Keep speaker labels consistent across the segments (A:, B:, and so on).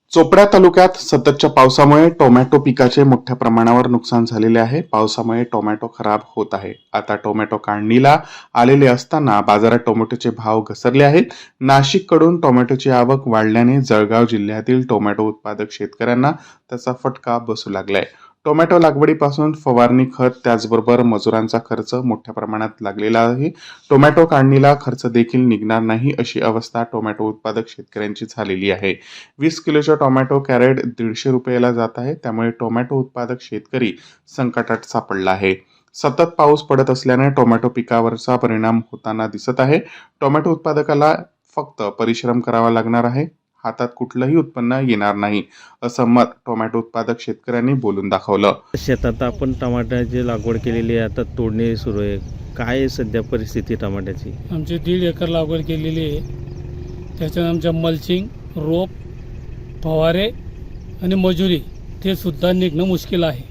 A: चोपडा तालुक्यात सततच्या पावसामुळे टोमॅटो पिकाचे मोठ्या प्रमाणावर नुकसान झालेले आहे. पावसामुळे टोमॅटो खराब होत आहे. आता टोमॅटो काढणीला आलेले असताना बाजारात टोमॅटोचे भाव घसरले आहेत. नाशिककडून टोमॅटोची आवक वाढल्याने जळगाव जिल्ह्यातील टोमॅटो उत्पादक शेतकऱ्यांना त्याचा फटका बसू लागलाय. टोमॅटो लागवडीपासून फवारणी, खत, त्याचबरोबर मजुरांचा खर्च मोठ्या प्रमाणात लागलेला आहे. टोमॅटो काढणीला खर्च देखील निघणार नाही अशी अवस्था टोमॅटो उत्पादक शेतकऱ्यांची झालेली आहे. 20 किलोचा टोमॅटो कॅरेट 150 रुपयाला जात आहे. त्यामुळे टोमॅटो उत्पादक शेतकरी संकटात सापडला आहे. सतत पाऊस पडत असल्याने टोमॅटो पिकावरचा परिणाम होताना दिसत आहे. टोमॅटो उत्पादकाला फक्त परिश्रम करावा लागणार आहे. हातात कुठलंही उत्पन्न येणार नाही असं मत टोमॅटो उत्पादक शेतकऱ्यांनी बोलून दाखवलं.
B: शेतात आपण टमाट्याची लागवड केलेली आहे, आता तोडणी सुरू आहे. काय आहे सध्या परिस्थिती टमाट्याची?
C: आमची 1.5 एकर लागवड केलेली आहे. त्याच्यात आमच्या मल्चिंग, रोप, फवारे आणि मजुरी ते सुद्धा निघणं मुश्किल आहे.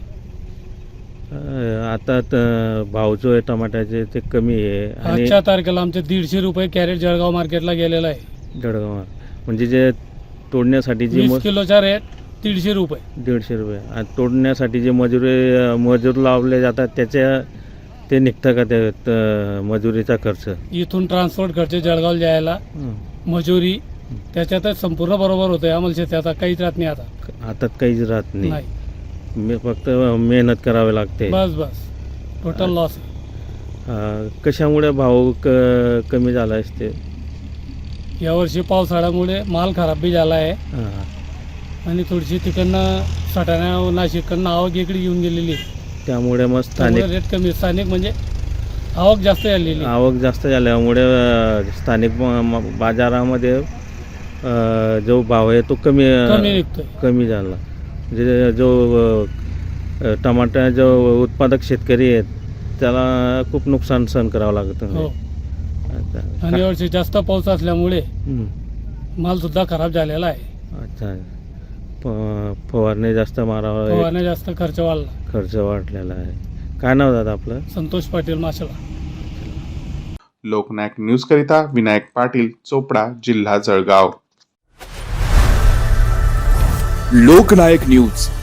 B: आता भाव जो आहे टमाट्याचे ते कमी आहे आणि
C: आजच्या तारखेला आमचे 150 रुपये कॅरेट जळगाव मार्केटला गेलेला आहे.
B: जळगाव म्हणजे जे तोडण्यासाठी जी
C: 20 किलोचा रेट 150 रुपये.
B: 150 रुपये आणि तोडण्यासाठी जे मजूर लावले जातात त्याच्या ते निघतं का ते मजुरीचा खर्च?
C: इथून ट्रान्सपोर्ट खर्च जळगावला जायला, मजुरी त्याच्यातच संपूर्ण बरोबर होतं. आम्हाला शेतात काहीच राहत नाही. आता
B: हातात काहीच राहत
C: नाही.
B: मी फक्त मेहनत करावी लागते.
C: बस टोटल लॉस.
B: कशामुळे भाव कमी झाला असते?
C: यावर्षी पावसाळ्यामुळे माल खराब बी झाला आहे आणि थोडीशी तिकडनं सटाणा नाशिककडनं आवक इकडे येऊन गेलेली आहे.
B: त्यामुळे मग स्थानिक
C: रेट कमी, स्थानिक म्हणजे आवक जास्त झालेली.
B: आवक जास्त झाल्यामुळे स्थानिक बाजारामध्ये जो भाव आहे तो कमी झाला. म्हणजे जो टमाटा जो उत्पादक शेतकरी आहेत त्याला खूप नुकसान सहन करावं लागतं.
C: हो. आणि यावर्षी जास्त पाऊस असल्यामुळे माल सुद्धा खराब झालेला आहे.
B: अच्छा. फवारणी जास्त मारावं,
C: फवारणी जास्त खर्च
B: वाढलेला आहे. काय नाव दादा आपलं?
C: संतोष पाटील, माशेला.
A: लोकनायक न्यूज करिता विनायक पाटील, चोपडा, जिल्हा जळगाव.
D: लोकनायक न्यूज